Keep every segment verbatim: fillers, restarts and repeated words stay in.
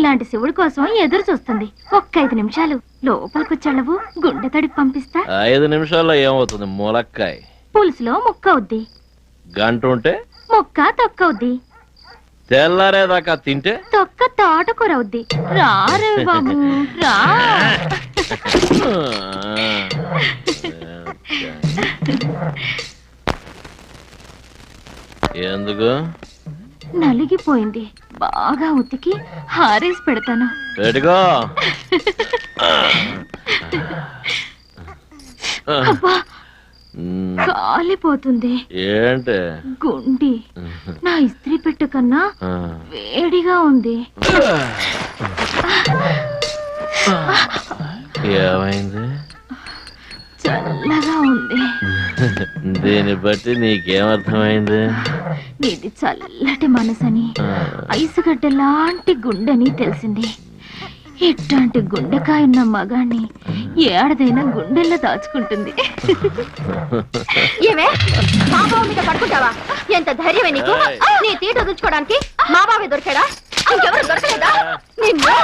నీలాంటి శివుడి కోసం ఎదురు చూస్తుంది. ఒక్క ఐదు నిమిషాలు లోపలికొచ్చాళ్ళవు, గుండె తడికి పంపిస్తా. ఐదు నిమిషాల్లో ఏమవుతుంది? ములక్కాయ పులుసులో ముక్క అవుద్ది, గంట ఉంటే ముక్క తొక్క అవుద్ది, తెల్లారేదాకా తింటే తొక్క తోటకూర అవుద్ది. రా రే బాబు రా. ఎందుకు? నలిగిపోయింది, బాగా ఉతికి హారేసి పెడతాను. పెట్టుకో. అబ్బా కాలిపోతుంది. ఏంటి? గుండి నా ఇస్త్రీ పెట్టు కన్నా వేడిగా ఉంది. ఏమైంది? చల్లగా ఉంది. దీన్ని బట్టి నీకేమర్థమైంది? నీది చల్లటి మనసని, ఐసుగడ్డ లాంటి గుండెని తెలిసింది. ఇట్లాంటి గుండెకాయ ఉన్న మగాన్ని ఏడదైనా గుండెల్లో దాచుకుంటుంది. ఏమే మా బావ మీద పడుకుంటావా? ఎంత ధైర్యమే నీకు? నీ తీట వదులుకోవడానికి మా బావే దొరికాడా? ఇంకెవరు దొరకలేదా? నిన్ను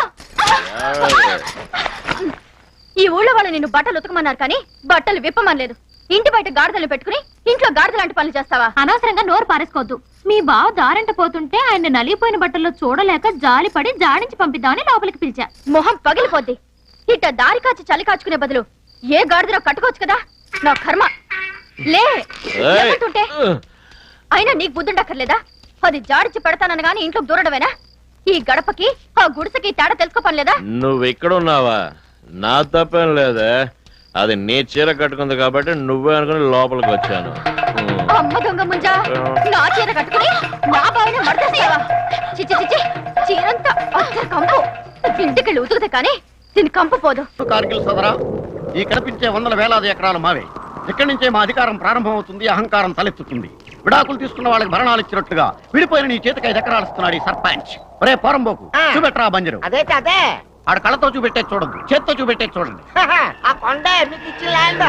ఈ ఊళ్ళో వాళ్ళు నిన్ను బట్టలు ఉతకమన్నారు కానీ బట్టలు విప్పమనలేదు. ఇంటి బయట గాడిదలు పెట్టుకుని ఇంట్లో గాడిద లాంటి పనులు చేస్తావా? అనవసరంగా నోరు పారేసుకోవద్దు. మీ బావ దారంట పోతుంటే ఆయన నలిగిపోయిన బట్టల్లో చూడలేక జాలిపడి జాడించి పంపిద్దామని లోపలికి పిలిచా. మొహం పగిలిపోద్ది. ఇట్ట దారి కాచి చలి కాచుకునే బదులు ఏ గాడిదలో కట్టుకోవచ్చు కదా. నా కర్మ. లే లేకుంటుంటే అయినా నీకు బుద్ధుండక్కర్లేదా? అది జాడించి పెడతానని గాని ఇంట్లో దూరడమేనా? ఈ గడపకి ఆ గుడిసెకి తేడా తెలుసుకోపనిలేదా? నువ్వు ఎక్కడున్నావా? నా తప్పేం లేదే, అది నీ చీర కట్టుకుంది కాబట్టి నువ్వే అనుకుని లోపలికి వచ్చాను. అమ్మ దొంగ ముంజా, నా చీర కట్టుకుని నా బావిని మడతేస్తావా? చిచ్చి చిచ్చి, చీరంతా అచ్చ కంపు. ఇంటికెళ్ళి ఉతుకుతే కానీ దీని కంపు పోదు. కార్గిల్ సోదరా, ఈ కనిపించే వందల వేలాది ఎకరాలు మావే. ఇక్కడి నుంచే మా అధికారం ప్రారంభమవుతుంది, అహంకారం తలెత్తుతుంది. విడాకులు తీసుకున్న వాళ్ళకి భరణాలు ఇచ్చినట్టుగా విడిపోయిన నీ చేతికి ఐదు ఎకరాలు ఇస్తున్నాడు ఈ సర్పంచ్. ఒరే పోరంబోకు, చూపెట్టరా బంజరు. అదే అదే ఆడ కళ్ళతో చూపెట్టే చూడద్దు, చేత్తో చూపెట్టే చూడండి. ఆ కొండ మీకు ఇచ్చిన ల్యాండ్.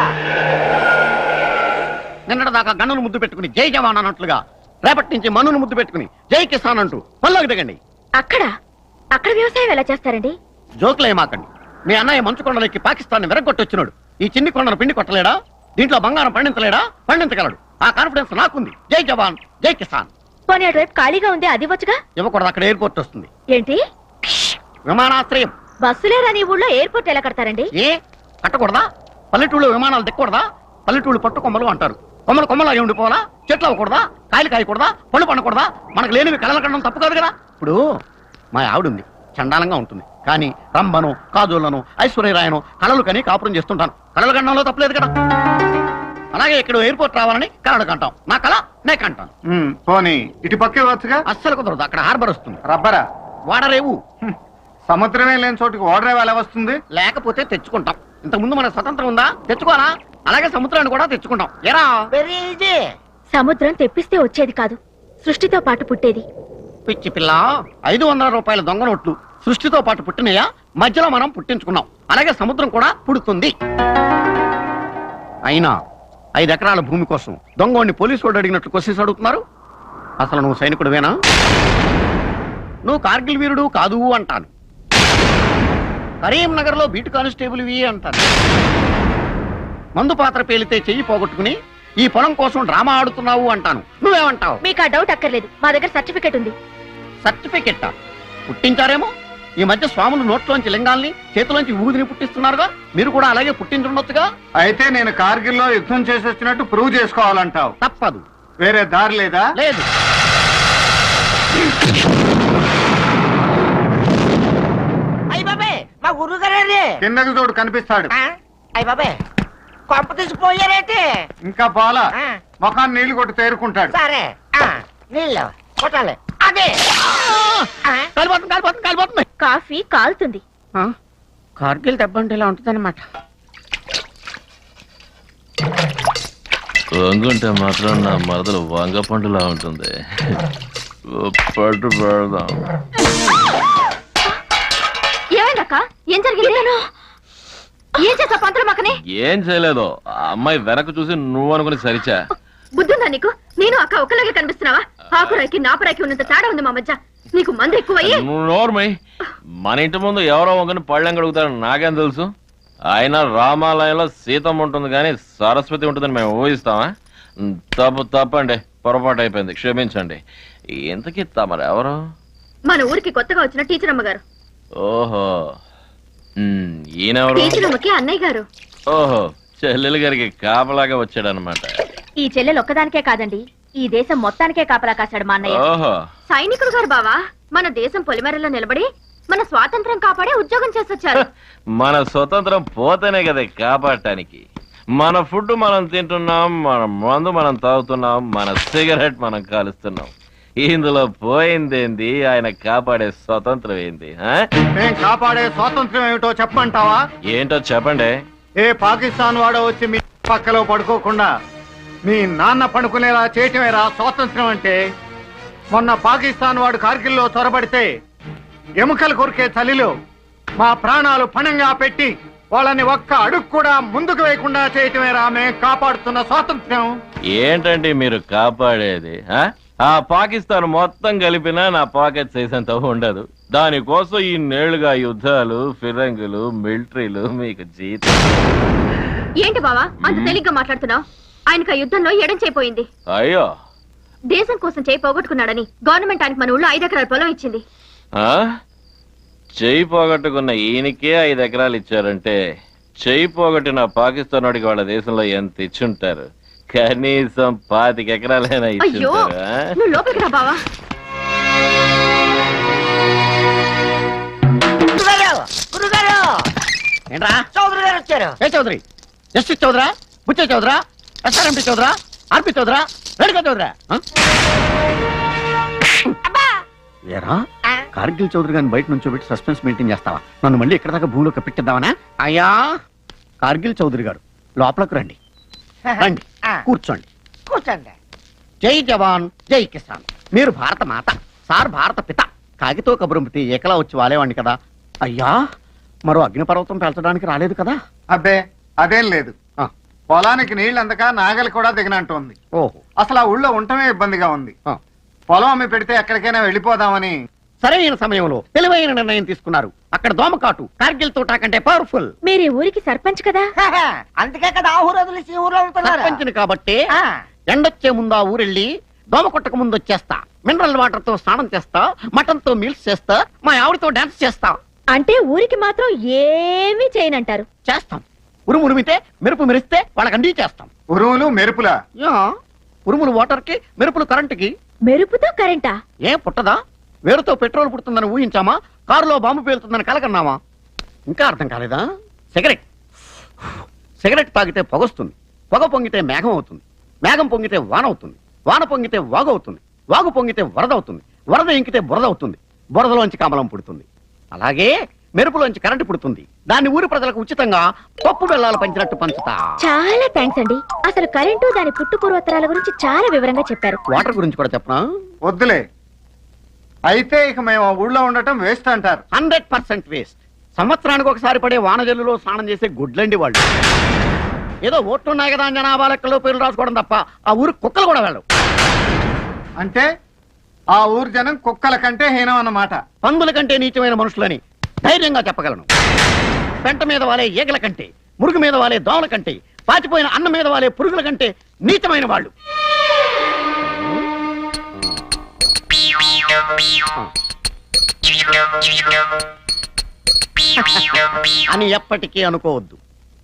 నిన్నటి దాకా గన్నును ముద్దు పెట్టుకుని జై జవాన్ అన్నట్లుగా రేపటి నుంచి మనును ముద్దు పెట్టుకుని జై కిసాన్ అంటూ పల్లోకి దిగండి. అక్కడ అక్కడ వ్యవసాయం ఎలా చేస్తారండి? జోకులేమాకండి. మీ అన్నయ్య మంచు కొండలకి పాకిస్తాన్ విరగొట్టొచ్చినాడు. ఈ చిన్ని కొండను పిండి కొట్టలేడా? దీంట్లో బంగారం పండించలేడా? పండించగలడు. ఆ కాన్ఫిడెన్స్ నాకుంది. జై జవాన్ జై కిసాన్. పోనీ అటువైపు ఖాళీగా ఉంది, అది వచ్చుగా. ఇవ్వకూడదు, అక్కడ ఎయిర్పోర్ట్ వస్తుంది. ఏంటి? విమానాశ్రయం. బస్సులేరా నీ ఊళ్ళో? ఎయిర్పోర్ట్ ఎలా కడతారండి? ఏ కట్టకూడదా? పల్లెటూళ్ళు విమానాలు దిక్కకూడదా? పల్లెటూళ్ళు పట్టు కొమ్మలు అంటారు. కొమ్మలు కొమ్మలాగే ఉండిపోవాలా? చెట్లు అవ్వకూడదా? కాయలు కాయకూడదా? పళ్ళు పండకూడదా? మనకు లేనివి కళలు కనడం తప్పు కాదు కదా. ఇప్పుడు మా ఆవిడుంది, చండాలంగా ఉంటుంది, కానీ రంభను కాజోళ్లను ఐశ్వర్యరాయను కళలు కని కాపురం చేస్తుంటాను. కళలు కనడంలో తప్పలేదు కదా. అలాగే ఇక్కడ ఎయిర్పోర్ట్ రావాలని కళలు కంటాం. నా కళ నే కంటాను. పోనీ ఇటు పక్కే వచ్చుగా. అస్సలు కుదరదు, అక్కడ హార్బర్ వస్తుంది. రబ్బరా వాడరేవు. సముద్రమే లేని చోటుకి ఓడరేవు ఎలా వస్తుంది? లేకపోతే తెచ్చుకుంటాం. ఇంతకు ముందు మనకు స్వతంత్రం ఉందా? తెచ్చుకోవాలా? అలాగే సముద్రాన్ని కూడా తెచ్చుకుంటాం. ఎరా వెరీ ఈజీ. సముద్రం తెప్పిస్తే వచ్చేది కాదు, సృష్టితో పాటు పుట్టేది. పిచ్చి పిల్ల, ఐదు వందల రూపాయల దొంగ నోట్లు సృష్టితో పాటు పుట్టినయా? మధ్యలో మనం పుట్టించుకున్నాం. అలాగే సముద్రం కూడా పుడుతుంది. అయినా ఐదు ఎకరాల భూమి కోసం దొంగోడిని పోలీసు వాడు అడిగినట్లు క్వశ్చన్స్ అడుగుతున్నారు. అసలు నువ్వు సైనికుడివేనా? నువ్వు కార్గిల్ వీరుడు కాదు అంటాను. కరీంనగర్ లో బీటు కానిస్టేబుల్ వి అంటాను. మందు పాత్ర పేలితే చెయ్యి పోగొట్టుకుని ఈ పొలం కోసం డ్రామా ఆడుతున్నావు అంటాను. నువ్వేమంటావు? మీకు ఆ డౌట్ అక్కర్లేదు, మా దగ్గర సర్టిఫికెట్ ఉంది. సర్టిఫికెట్ పుట్టించారేమో. ఈ మధ్య స్వాములు నోట్లోంచి లింగాల్ని చేతిలోంచి ఊదిని పుట్టిస్తున్నారుగా, మీరు కూడా అలాగే పుట్టించుండొచ్చుగా. అయితే నేను కార్గిల్ లో యుద్ధం చేసి వచ్చినట్టు ప్రూవ్ చేసుకోవాలంటావు. తప్పదు, వేరే దారి లేదా? లేదు. అయ్య బాబే, మా గురువు గారే కిందకి చూడు, కనిపిస్తాడు. అయ్య బాబే, కొంప తీసిపోయారేంటి? ఇంకా పోలా, ముఖాన్ని నీళ్లు కొట్టి తేరుకుంటాడు. సరే నీళ్ళు కొట్టాలి. అదే కాలిపోతుంది కాలిపోతుంది కాలిపోతుంది. కాఫీ కాలుతుంది. కార్గిల్ దెబ్బ అంటే ఇలా ఉంటుంది అనమాట. వంగుంటే మాత్రం నా మరదలు వంగ పండులా ఉంటుంది. పట్టు పెడదాం. ఏమైందక్క? ఏం జరిగింది? ఏం చేసా పంతులు మకనే? ఏం చేయలేదు, ఆ అమ్మాయి వెనక చూసి నువ్వు అనుకుని సరిచా. బుద్ధుందా నీకు? నేను అక్క ఒక్కలాగే కనిపిస్తున్నావా? ఆకురాయికి నాపరాయికి ఉన్నంత తేడా ఉంది మా మధ్య. నీకు మంది ఎక్కువయ్యి. నోర్మై మన ఇంటి ముందు ఎవరో ఒకరిని పళ్ళెం కడుగుతారని నాకేం తెలుసు. ఆయన రామాలయంలో సీతమ్మ ఉంటుంది కానీ సరస్వతి ఉంటుందని మేము ఊహిస్తామా? తప్పు తప్పండి, పొరపాటు అయిపోయింది, క్షమించండి. ఇంతకీ తమరు ఎవరు? మన ఊరికి కొత్తగా వచ్చిన టీచర్ అమ్మ గారు. ఓహో, ఉమ్, ఈయనెవరు? టీచర్ అమ్మకి అన్నయ్య గారు. ఓహో, చెల్లెలు గారికి కాపలాగా వచ్చాడనమాట. ఈ చెల్లెలు ఒక్కదానికే కాదండి, ఈ దేశం మొత్తానికే కాపలా కాశాడు మా అన్నయ్య. ఓహో, సైనికుడు గారు బావా. మన దేశం పొలిమేరలో నిలబడి మన స్వాతంత్రం కాపాడే ఉద్యోగం చేసొచ్చారు. మన స్వతంత్రం పోతేనే కదా కాపాడటానికి. మన ఫుడ్ మనం తింటున్నాం, మన మందు మనం తాగుతున్నాం, మన సిగరెట్ మనం కాలుస్తున్నాం. ఇందులో పోయిందేంది? ఆయన కాపాడే స్వతంత్రం ఏంది? ఆ? మేం కాపాడే స్వాతంత్ర్యం ఏమిటో చెప్పంటావా? ఏంటో చెప్పండి. ఏ పాకిస్తాన్ వాడో వచ్చి మీ పక్కలో పడుకోకుండా మీ నాన్న పడుకునేలా చేయటమేరా స్వాతంత్ర్యం అంటే. మొన్న పాకిస్తాన్ వాడు కార్గిల్లో చొరబడితే ఎముకలు కొరికే చలిలో మా ప్రాణాలు పణంగా పెట్టి వాళ్ళని ఒక్క అడుగు కూడా ముందుకు వేయకుండా చేయటమేరా మేం కాపాడుతున్న స్వాతంత్ర్యం. ఏంటండి మీరు కాపాడేది? ఆ? ఆ పాకిస్తాన్ మొత్తం కలిపినా నా పాకెట్ సైజ్ అంత ఉండదు. దానికోసం ఈ నేళ్లుగా యుద్ధాలు, ఫిరంగులు, మిలిటరీలు, మీకు జీతం. ఏంటి బావా అంత తేలిగ్గా మాట్లాడుతున్నావు? ఆయనకు ఆ యుద్ధంలో ఎడం చేయిపోయింది. అయ్యో, దేశం కోసం చేయి పోగొట్టుకున్నాడని గవర్నమెంట్ ఆయనకు మన ఊళ్ళో ఐదు ఎకరాల పొలం ఇచ్చింది. ఆ? చెయ్యి పోగొట్టుకున్న ఈయనకే ఐదు ఎకరాలు ఇచ్చారంటే చెయ్యి పోగొట్టిన పాకిస్తాన్ వాడికి వాళ్ళ దేశంలో ఎంత ఇచ్చుంటారు? కనీసం పాతిక ఎకరాలైనా అయ్యో ఇచ్చుంటారా? నువ్వు లోపలికి రా బావా. గురుగారు గురుగారు ఏంట్రా? చౌదరి గారు వచ్చారు. ఏ చౌదరి? జస్టిస్ చౌదరా, బుచ్చే చౌదరా, ఎస్ఆర్ఎంపీ చౌదరా, ఆర్పి చౌదరా, రేణుకా చౌదరా? ఆ? అబ్బా ఏరా, ఆ, కార్గిల్ చౌదరి గారిని బయట నుంచి పెట్టి సస్పెన్స్ మెయింటైన్ చేస్తావా? నన్ను మళ్ళీ ఇక్కడ దాకా భూమిలో కప్పెట్టిద్దామనా? అయ్యా, కార్గిల్ చౌదరి గారు లోపలకు రండి. రండి, ఆ, కూర్చోండి. కూర్చోండి. జై జవాన్ జై కిసాన్. మీరు భారత మాత, సార్ భారత పిత. కాగితో కబురంపితే ఏకలా వచ్చి వాలేవాడిని కదా. అయ్యా, మరో అగ్నిపర్వతం పెంచడానికి రాలేదు కదా? అబ్బే అదేం లేదు. ఆ, పొలానికి నీళ్ళు అందక నాగలి కూడా దిగనంటోంది. ఓహో. అసలు ఆ ఊళ్ళో ఉండటమే ఇబ్బందిగా ఉంది. ఆ. పొలం అమ్మి పెడితే ఎక్కడికైనా వెళ్ళిపోదామని. సరైన సమయంలో తెలివైన నిర్ణయం తీసుకున్నారు. అక్కడ దోమకాటు కార్గిల్ తోటా కంటే పవర్ఫుల్. మీరు ఈ ఊరికి సర్పంచ్ కదా. అందుకే కదా ఆ ఊరు వదిలేసి ఈ ఊర్లో ఉంటున్నారు. సర్పంచిని కాబట్టి ఆ, ఎండొచ్చే ముందు ఆ ఊరెళ్ళి దోమ కొట్టక ముందు వచ్చేస్తా. మినరల్ వాటర్ తో స్నానం చేస్తా, మటన్ తో మీల్స్ చేస్తా, మా ఆవిడతో డాన్స్ చేస్తా. అంటే ఊరికి మాత్రం ఏమీ చేయనంటారు. చేస్తాం. ఉరుము ఉరిమితే మెరుపు మెరిస్తే వాళ్ళకి అండి చేస్తాం. ఉరువులు మెరుపులా? యా, ఉరుములు వాటర్ కి, మెరుపులు కరెంటుకి. మెరుపుతో కరెంటా? ఏం పుట్టదా? వేరుతో పెట్రోల్ పుడుతుందని ఊహించామా? కారులో బాంబు పేలుతుందని కలకన్నామా? ఇంకా అర్థం కాలేదా? సిగరెట్ సిగరెట్ తాగితే పొగొస్తుంది, పొగ పొంగితే మేఘం అవుతుంది, మేఘం పొంగితే వాన అవుతుంది, వాన పొంగితే వాగు అవుతుంది, వాగు పొంగితే వరద అవుతుంది, వరద ఇంకితే బురద అవుతుంది, బురదలోంచి కమలం పుడుతుంది. అలాగే మెరుపులోంచి కరెంటు పుడుతుంది. దాన్ని ఊరి ప్రజలకు ఉచితంగా పప్పు బెల్లాలు పంచినట్టు పంచుతా. చాలా థ్యాంక్స్ అండి. అసలు కరెంటు దాని పుట్టు పూర్వోత్తరాల గురించి చాలా వివరంగా చెప్పారు. వాటర్ గురించి కూడా చెప్పనా? వద్దులే. అయితే ఇక మేము ఆ ఊళ్ళో ఉండటం వేస్ట్ అంటారు. Hundred percent waste. సంవత్సరానికి ఒకసారి పడే వానజల్లులో స్నానం చేసే గుడ్లండి వాళ్ళు. ఏదో ఓట్లున్నాయి కదా అని జనాభా లెక్కలో పేర్లు రాసుకోవడం తప్ప ఆ ఊరు కుక్కలు కూడా వెళ్ళవు. అంటే ఆ ఊరు జనం కుక్కల కంటే హీనం అన్నమాట. పందుల కంటే నీచమైన మనుషులని ధైర్యంగా చెప్పగలను. పెంట మీద వాలే ఈగల కంటే, మురుగు మీద వాలే దోమల కంటే, పాచిపోయిన అన్నం మీద వాలే పురుగుల కంటే నీచమైన వాళ్ళు. అని ఎప్పటికీ అనుకోవద్దు.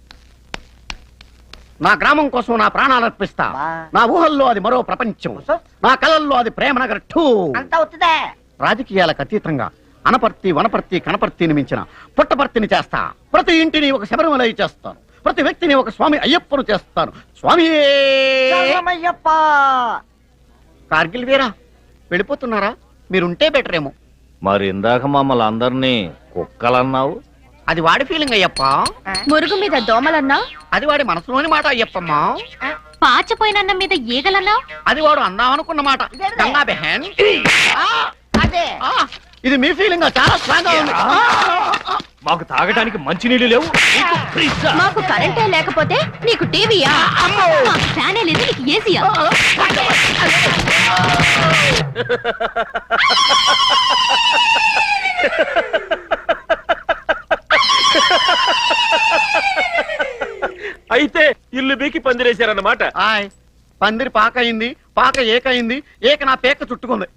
నా గ్రామం కోసం నా ప్రాణాలు అర్పిస్తా. నా ఊహల్లో అది మరో ప్రపంచం, నా కళల్లో అది ప్రేమనగర్ టూ. అంతా అవుతుందే. రాజకీయాలకు అతీతంగా అనపర్తి, వనపర్తి, కనపర్తిని మించిన పుట్టపర్తిని చేస్తా. ప్రతి ఇంటిని ఒక శబరిమలై చేస్తాను. ప్రతి వ్యక్తిని ఒక స్వామి అయ్యప్పను చేస్తాను. స్వామి శరణమయ్యప్ప. కార్గిల్ వీరా, వెళ్ళిపోతున్నారా? మీరుంటే బెటర్ ఏమో. మరి ఇందాక మమ్మల్ని అందరినీ కుక్కలన్నావు. అది వాడి ఫీలింగ్ అయ్యప్ప. మురుగు మీద దోమలన్నా, అది వాడి మనసులోని మాట అయ్యప్పమ్మా. పాచపోయిన మీద ఈగలన్నా, అది వాడు అందామనుకున్న మాట. గంగా బెహన్. అదే ఆ, ఇది మీ ఫీలింగ్ చాలా స్ట్రాంగ్ గా ఉంది. మాకు తాగడానికి మంచినీళ్ళు లేవు. మాకు కరెంటే లేకపోతే నీకు టీవీయా? మాకు ఫ్యానే లేదు, నీకు ఏసీయా? అయితే ఇల్లు బీకి పందిరేశారన్నమాట. ఆయ్ పందిరి పాక అయింది, పాక ఏకయింది, ఏక నా పేక చుట్టుకుంది.